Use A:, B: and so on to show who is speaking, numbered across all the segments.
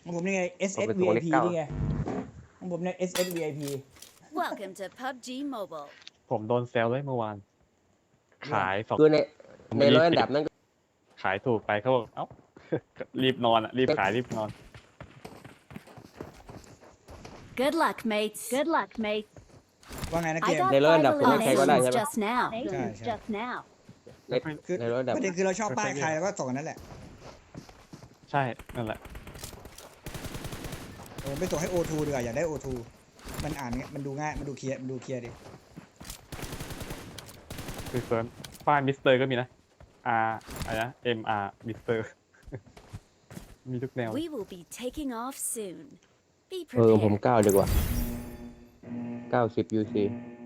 A: ของผมนี่ไง
B: ผมเป็นตัวเลข
A: SSVIP
B: เก้า
A: นี่ไงของผมเนี่ย SSVIP
C: Welcome to PUBG Mobile.
D: ผมโดนแซวเลยเมื่อวาน ขายสอง
B: คือใน
D: ผม
B: ในร้อยอันดับนั้นก็
D: ขายถูกไปเขาบอกเอ้า รีบนอนอ่ะ รีบขายรีบนอน
C: Good luck, mates. Good luck, mates.
A: ว่าไงนะเก
C: I
A: ม
C: got
B: ในร้อยอันดับ
C: 5
B: ผมว่าใครก็ได้ใช่
C: eliminations
B: ไหม
C: just now.
A: ใช่
C: Just now.
B: ใน
A: คือ
B: ในร้อยอันดับ
A: ประเด็นคือเราชอบป้ายใครแล้วก็ส่งกันนั่นแหละ
D: ใช่นั่นแหละ
A: ผมไปส่งให้ O2 ดีกว่าอยากได้ O2 มันอ่านเงี้ยมันดูง่ายมันดูเคลียร์ดิ
D: คือเฟิร์นป้ายมิสเตอร์ก็มีนะ R อะไรนะ MR มิสเตอร์ มีทุกแนว
C: We will be taking off soon. Be
B: ผม
C: prepared.
B: 9ดีกว่า90 UC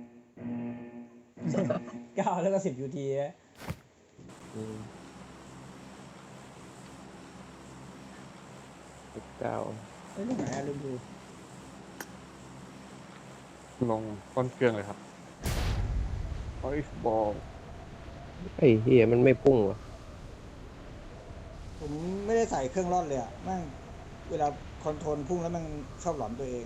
A: 9แล้วก็10 UT นะ
B: อืม9
A: เอ้ยตรงไหนอะลืมดู
D: ลงก้นเครื่องเลยครับโอ้ยบอล
B: ไอ้เฮียมันไม่พุ่งวะ
A: ผมไม่ได้ใส่เครื่องร่อนเลยอะแม่งเวลาคอนโทรลพุ่งแล้วมันชอบหลอนตัวเอง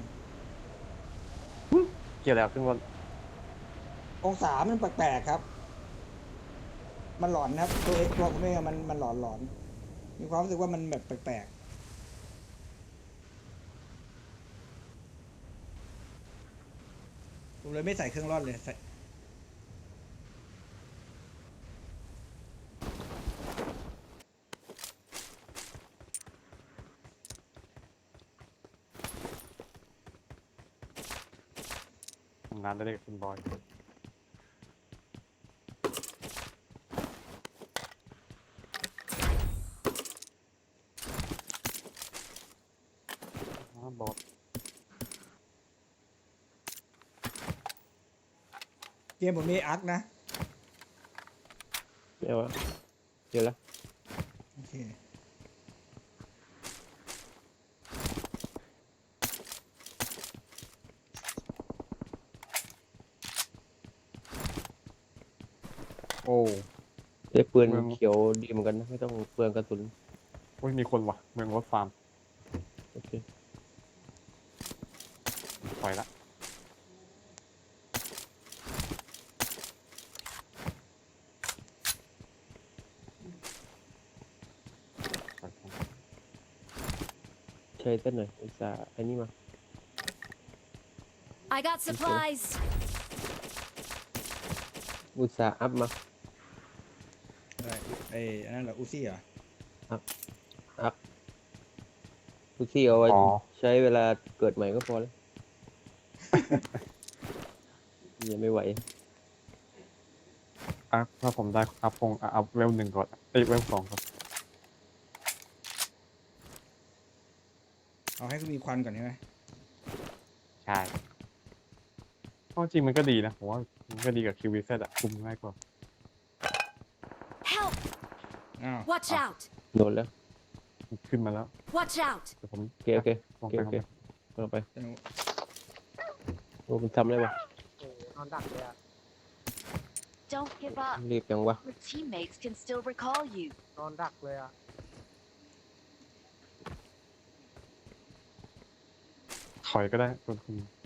D: เกี่ยวแล้วเครื่องบอล
A: องศามันแปลกๆครับ มันหลอนครับตัวผมเองอะมันหลอนมีความรู้สึกว่ามันแบบแปลกๆผมเลยไม่ใส่เครื่องร่อนเลยใส่
D: ทำงานได้กับคุณบอยบอล
A: เกมผมมีอาร์คนะ
B: เดี๋ยวะเดี๋ยวละ
A: โอเค
D: โอ้
B: ได้ปืน
D: เมือง
B: เขียวดีเหมือนกันนะไม่ต้องเปลืองกระสุน
D: โอ้ยมีคนว่ะ เมืองรถฟาร์ม
B: โอเค
D: ปล่อยละปล่อยของ
B: ใช้ต้นหน่อยอุตส่าห์อันนี้มา
C: I got supplies.
B: อุตส่าห์อัพมา
A: อะไรอันนั้นเหรออูซี่เหรอ
B: ทุกที่เอาไว้
D: อ๋อ
B: ใช้เวลาเกิดใหม่ก็พอแล้ว ยังไม่ไหว
D: อ่ะถ้าผมได้อัพคงอัพเวล1ก่อนเอ้ยเวล2ครับ
A: เอาให้มีควันก่อนใช่ไหม
D: ใช่เพราะจริงมันก็ดีนะผมว่ามันก็ดีกับ QVZ อะคุมง่ายกว่า
C: Help!
A: อ้าว
C: Watch out!
B: โดนแล้ว
D: มันขึ้นมาแล้ว
C: Watch out!
D: แต่ผม
B: โอเคโอเค
D: ล
B: โอง เค
D: ไป
B: โอเคลงไป
A: แต่หนู
B: โอ้มันทำได้ปะ
E: นอนดักเลยอะ
C: Don't give up.
B: รีบยังวะ
C: Your teammates can still recall you.
E: นอนดักเลยอะ
D: ถอยก็ได้คุณ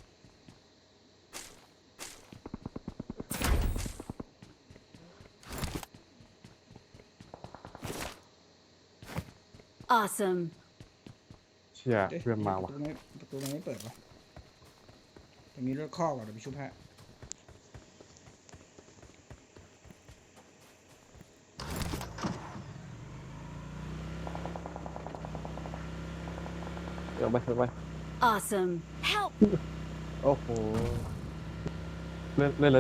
C: Awesome.
D: เชื่อเพื่อนมาว่ะ
A: ประตูมันไม่เปิดวะตรงนี้รถข้อก่อนเดี๋ยวไปชุบฮะ
B: ลงไปลงไป
C: Awesome. Help!
B: โอ้โห
D: เล่นเล่นเลย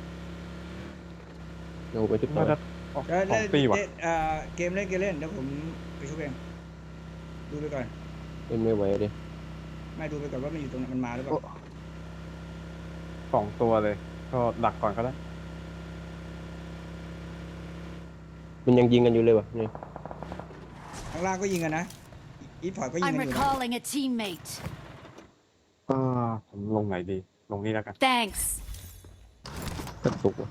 B: ลงไปชุดต่อ
D: น่าจะออกสองตีว่ะ
A: เกมเล่นเดี๋ยวผมไปชุบเองดูไปก่อน
B: เล่นไม่ไหวเลย
A: ไม่ดูไปก่อนว่ามันอยู่ตรงไหนมันมาหรือเปล่า
D: 2 ตัวเลย ก็ดักก่อนก็ได้
B: มันยังยิงกันอยู่เลยวะนี่
A: ข้างล่างก็ยิงกันนะอีทพอร์ตก็ยิง
C: I'm
A: กันอยู่นะ
C: recalling a teammate.
D: ผมลงไหนดี ลงนี่แล้วกัน
C: Thanks.
B: กระตุกวะ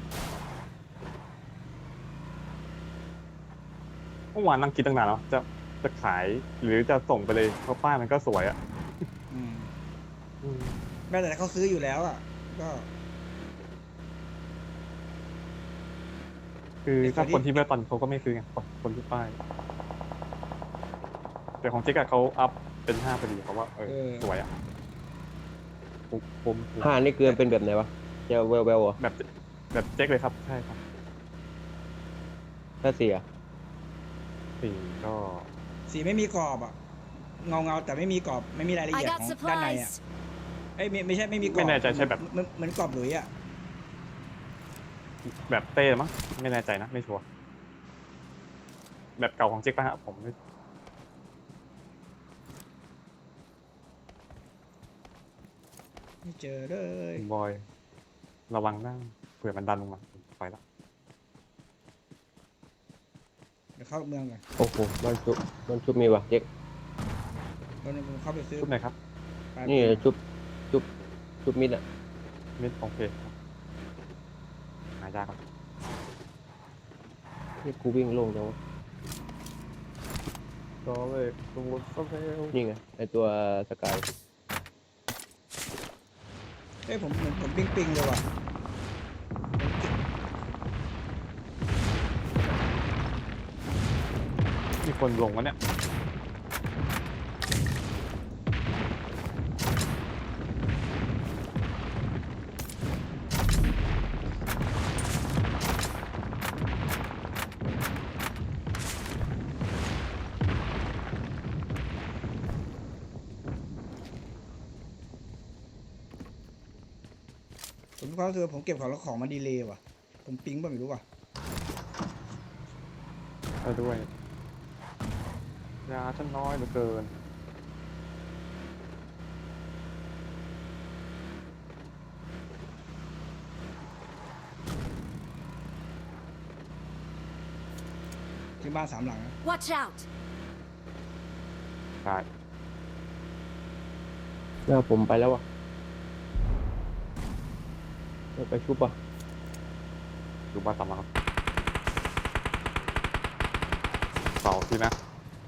D: เมื่อวานนั่งคิดตั้งนานแล้วจะจะขายหรือจะส่งไปเลยเพราะป้ายมันก็สวยอ่ะ
A: อืม
B: อืม
A: แม้แต่เขาซื้ออยู่แล้วอ่ะ ก็
D: คือ
A: ไอ้
D: ถ้า
A: คนที่
D: คนที่ไม่ตันเขาก็ไม่ซื้อไงคนที่ป้าย แต่ของเจ๊กอะเขาอัพเป็น5พอดีเพราะว่าสวยอ่ะคุ้ม
B: ผ้านี่เกลือเป็นแบบไหนวะจะแววเหรอ
D: แบบเจ๊กเลยครับใช่ครับ
B: ถ้าเสีย
D: สีก็
A: สีไม่มีกรอบอ่ะ เงาแต่ไม่มีกรอบ ไม่มีรายละ
C: I
A: เอียด
C: got
A: ของด้านในอ่ะ
C: supplies.
A: เอ้ยไม่ใช่ไม่มีกรอบ
D: ไม่แน่ใจใช่แบบ
A: เหมือนกรอบหลุยอ่ะ
D: แบบเต้มั้งไม่แน่ใจนะไม่ชัวร์แบบเก่าของเจ๊กป่ะฮะผมไม่
A: ไม่เจอเลย
D: บอยระวังนะเผื่อมันดันลงมาไปละ
A: เดี๋ยวเข้าเมืองก่อน
B: โอ้โหบ้านชุบมีวะเจ๊ก
A: แล้วผมเข้าไปซื้อ
D: ชุดไหนครับ
A: ปลาย
B: นี่
A: ปื
B: ชุบมิดอ่ะ
D: มิดโอเคครับหายากครับ
B: นี่กูวิ่งโล่งจังวะ
D: ก็เลยตัวโซเฟล
B: นี่ไงไอตัวสกาย
A: เอ้ยผมเหมือนผมปิงเลยว่ะ
D: มีคนลงวะเนี่ย
A: ผมมีความรู้สึกว่าผมเก็บของแล้วของมันดีเลย์ว่ะ ผมปิงป่ะไม่รู้ว่ะ
D: ไปด้วยยาฉันน้อยเหลือเกิน
A: ที่บ้าน3 หลังนะ
C: Watch out.
D: ใช่
B: หน้าผมไปแล้ววะไปชุบป่ะ
D: ดูบ้านสามหลังครับเสาที่นะ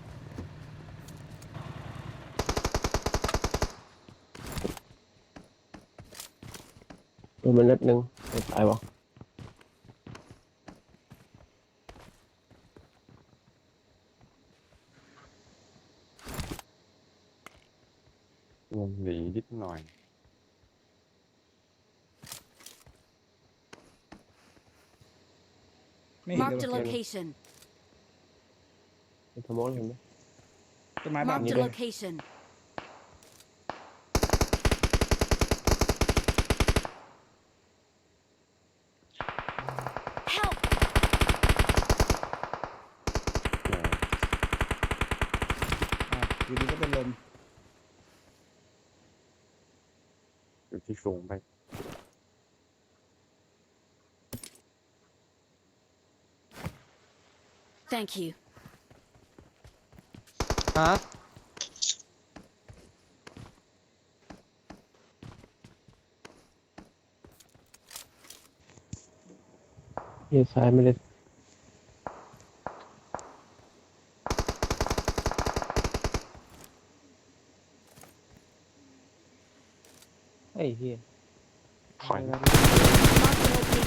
B: โดนมันนัดนึงไม่ตายวะ
D: วงหลีนิดหน่อย
A: ไม่เห็น
C: Marked
A: เล
C: a
A: ยว่ะ
C: location.
B: เป็นสมองเห็นไหม
A: ต้นไม้บ้าน
C: Marked
A: นี้
C: a
A: เลย
C: location. Help!
A: อยู่ดีก็เป็นลม
D: อยู่ที่สูงไป
C: Thank you.
B: ฮะเฮียซ้ายไม่ได้ไอ้เฮีย
D: ถอย
C: Marked a location.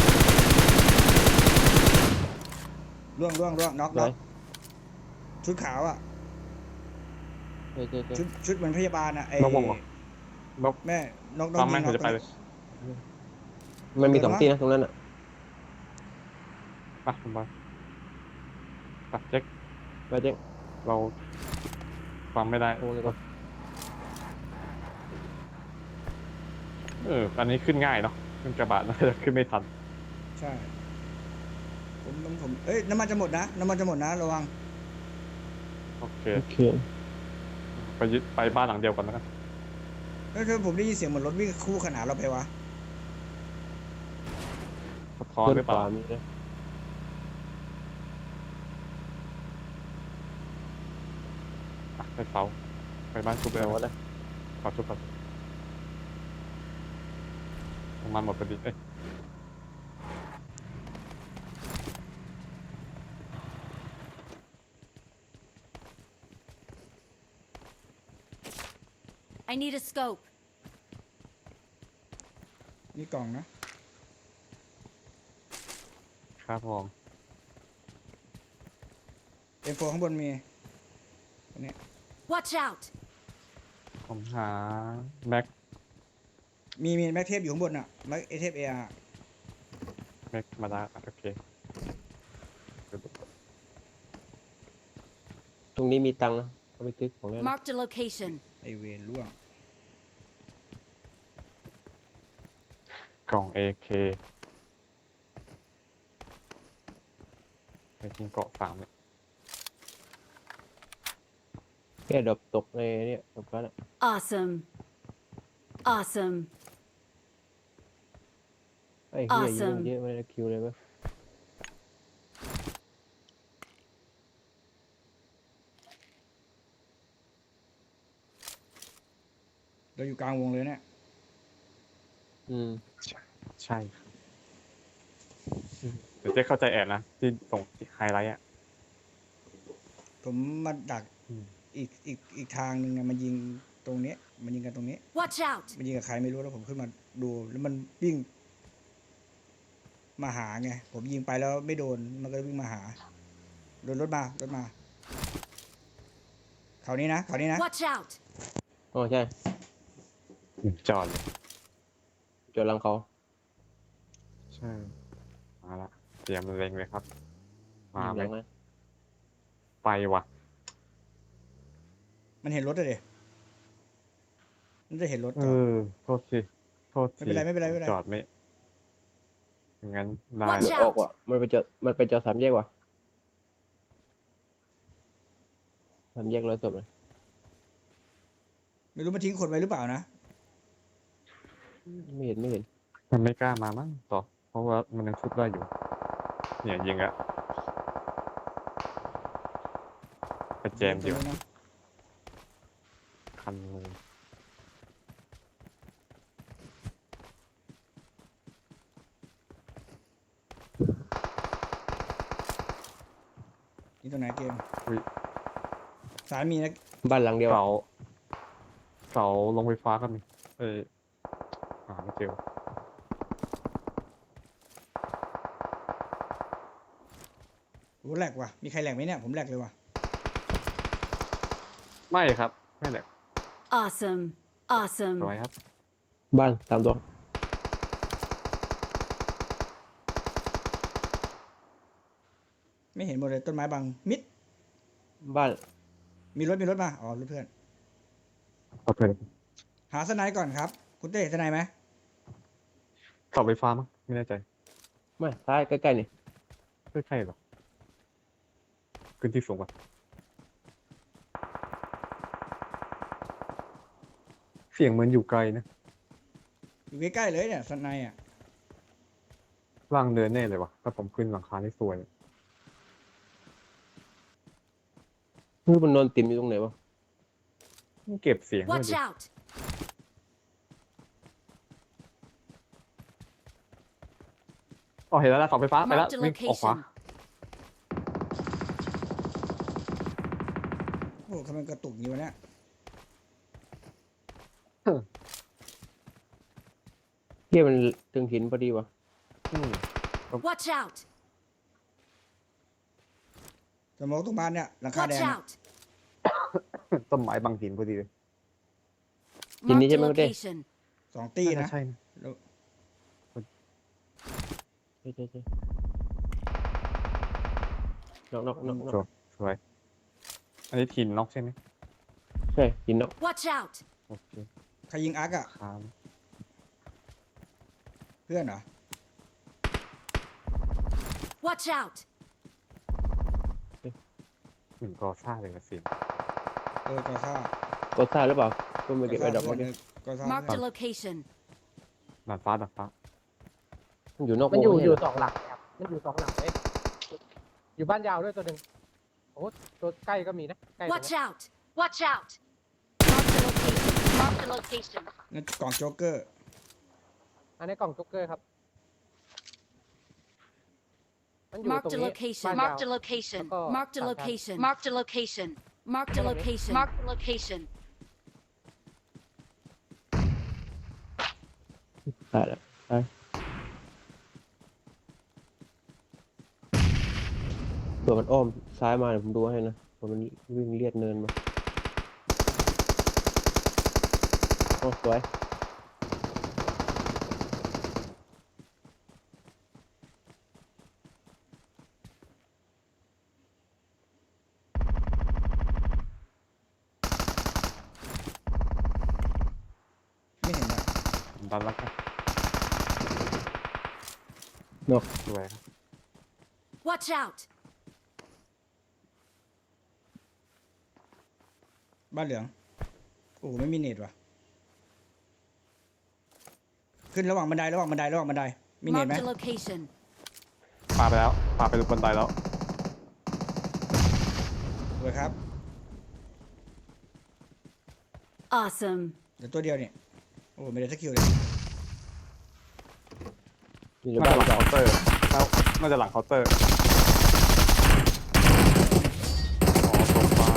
A: ร่วงน็อก
B: ไหน
A: ชุดขาวอ่ะ
B: เจอ
A: ชุดเหมือนพยาบาลอ่ะไอ้
D: นกวงเหรอ นก
A: แม่นก
D: ตาม
A: ยิ
D: แม่
A: ง
D: ง
A: น็อก
D: จะไปเลย
B: มันมี2 ที่นะตรงนั้นอ่ะ
D: ไปคุณบอยไปเจ๊ก
B: ไปเจ๊ก
D: เราฟังไม่ได้
B: โอ้ยก่อน
D: อันนี้ขึ้นง่ายเนาะขึ้นกระบะน่าจะขึ้นไม่ทัน
A: ใช่ผมเอ้ยน้ำมันจะหมดนะระวัง
D: โอเค
B: โอเค
D: ไปบ้านหลังเดียวกันแล้วกัน
A: เฮ้ยผมได้ยินเสียงเหมือนรถวิ่งคู่ขนานเราไปวะ
D: สะท้อน
B: เพื่อน
D: หรือเป
B: ข
D: ล่า
B: วามีนะ
D: ไปเสาไปบ้านชุบเลย
B: เอาวะนะ
D: ขอชุบก่อนน้ำมันหมดพอดีเอ้ย
C: I need a scope.
A: นี่กล่องนะ
D: ครับผม
A: M4 ข้างบนมีอันนี้
C: Watch out!
D: ผมหาแม็ก
A: มีแม็กเทปอยู่ข้างบนอ่ะแม็กเทปเออาร์
D: แม็กมาได้โอเค
B: ตรงนี้มีตังค์นะเอาไปซื้อของเล่น
C: Marked a location.
A: ไอเวนล่วง
D: กล่อง AK ไปทิ้งเกาะ3เนี่ย
B: แค่ดรอปตกในเนี่ยตกแล้วน่ะ
C: Awesome. Awesome.
B: ไอ้เหี้ยยิง
C: Awesome
B: เยอะไม่ได้คิวเลยเว้ย
A: เราอยู่กลางวงเลยเนี่ย
D: ใช่เดี๋ยวเจ๊เข้าใจแอบนะ ที่ส่งไฮไลท์อ่ะ
A: ผมมาดัก
D: อืม
A: อีกทางหนึ่งเนี่ยมันยิงตรงนี้มันยิงกันตรงนี้
C: Watch out!
A: มันยิงกับใครไม่รู้แล้วผมขึ้นมาดูแล้วมันวิ่งมาหาไงผมยิงไปแล้วไม่โดนมันก็วิ่งมาหาโดนรถมาเขานี้นะ
C: Watch out!
B: อ๋อใช่
D: จอดเลย
B: จอดหลังเขา
D: ใช่ มาละเตรียมเล็งเลยครับ มา
B: ยิง
D: ไห
B: ห
D: ม
B: ลังนะ
D: ไปว่ะ
A: มันเห็นรถเลยมันจะเห็นรถ
D: เอ
A: จอด
D: อ โทษที
A: ไม่เป็นไร
D: จอดไม่งั้นได้
C: Watch
B: มันออกว่ะมันไปจอดสามแยกว่ะสามแยกร้อยศพเลย
A: ไม่รู้มันทิ้งคนไว้หรือเปล่านะ
B: ไม่เห็น
D: มันไม่กล้ามามั้งต่อ เพราะว่ามันยังชุบได้อยู่ เนี่ยยิงอะไปแจมดีกว่า
A: นะ
D: คันเลย
A: นี่ตรงไหนเกม
D: อุ๊ย
A: สารมีนะ
B: บ้านหลังเดียว
D: เสาลงไฟฟ้าก็มีหาไม่เจอ
A: โอ้แหลกว่ะมีใครแหลกไหมเนี่ยผมแหลกเลยว่ะ
D: ไม่ครับ ไม่แหละ
C: Awesome.
D: ส
C: Awesome.
D: วยครับ
B: บ้านตามตัว
A: ไม่เห็นหมดเลยต้นไม้บังมิด
B: บ้าน
A: มีรถมาอ๋อรถเพื่อน
D: โอเค
A: หาสไนด์ก่อนครับคุณเต้เห็นสไนด์ไหม
D: เสาไฟฟ้ามั้งไม่แน่ใจ
B: ไม่ซ้ายใกล้ๆนี่
D: ไม่ใช่หรอขึ้นที่สูงกว่าเสียงเหมือนอยู่ไกลนะ
A: อยู่ใกล้ๆเลยเนี่ยสไนด์อ่ะ
D: ล่างเดินแน่เลยวะถ้าผมขึ้นหลังคาที่สวย
B: คือมันนอนติ่มอยู่ตรงไหนวะ
D: เก็บเสียงด้วย
C: Watch
D: ดิ
C: out!
D: อ๋อเห็นแล้วนะเสาไฟฟ้าไปแล้ว
C: Marked a
D: วิ่งออกขวา
C: location.
A: โอ้ทำไมกระตุกอยู่วะเนี่ย
B: เที่ยมันถึงหินพอดีวะ
D: อืม
C: Watch out!
A: สมองตรงบ้านเนี่ยหลังคาแด
C: Watch
A: งเนี่ย
C: out!
D: ต้นไม้บังหินพอดีเลย
C: Marked a location.
A: 2 ตี
D: น่า
A: นะ
D: จะใช่นะ
A: แล้ว
B: ใช่นอก
D: สวยอันนี้ทีมน็อกใช่ไหม
B: ใช่หินนอก
C: Watch out!
D: โอเค
A: ใครยิงอาร์กอ่ะ
D: ครับ
A: เพื่อนเหรอ
C: Watch out!
D: เหมือนกอซ่าเลยนะเสียง
A: กอซ่า
B: ก็ซ่าหรือเปล่าก็ไม่เก็บไอ้ดอก
A: เพื่
B: เมื่
A: อ
B: อน กี้
A: กอซ่า
C: Marked a location.
D: ดาดฟ้า
B: มันอยู่นอก
E: มันอยู่
B: วง
E: อยู่
B: ไม่ใช่เหร
E: สองหลังครับมันอยู่สองหลังเลยอยู่บ้านยาวด้วยตัวหนึ่งโอ้ตัวใกล้ก็มีนะใกล้ตรง
C: Watch
E: นี้
C: out! Watch out! Marked a location. Marked a location.
A: นั่นกล่องโจ๊กเกอร์
E: อันนี้กล่องจ็อกเกอร์ครับมันอยู่ตรง
C: Marked a
E: นี้
C: location.
E: บ้านยาว
C: Marked a location.
E: Ako,
C: Marked a
E: tangkad.
C: location. Marked a location. Marked a
E: Ano ba?
C: location. Marked a location.
B: ตายแล้วตายเผื่อมันอ้อมซ้ายมาเดี๋ยวผมดูให้นะเผื่อมันวิ่งเลียดเนินมาโอ้สวย
A: ไม่เห็นนะ
D: ผมดันแล้วกัน
B: นก
D: สวยครับ
C: Watch out!
A: บ้านเหลืองโอ้โหไม่มีเน็ตว่ะขึ้นระหว่างบันไดระหว่างบันไดระหว่างบันไดมีเน็ตไหม
C: Marked a location.
D: ปาไปแล้วปาไปบนไดแล้ว
A: สวยครับ
C: Awesome.
A: เดี๋ยวตัวเดียวเนี่ยโอ้ไม่ได้สักคิวเลย
B: อยู่ใน
D: น่า
B: บ้า
D: จะ
B: น
D: หลังเคาน์เตอร์แล้วน่าจะหลังเคาน์เตอร์อ๋อตรงมา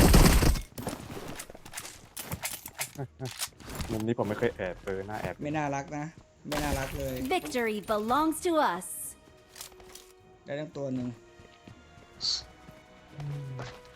D: มุมนี้ผมไม่เคยแอบหน้าแอบ
A: ไม่น่ารักนะ ไม่น่ารักเลย
C: Victory belongs to us.
A: ได้ทั้งตัวหนึ่ง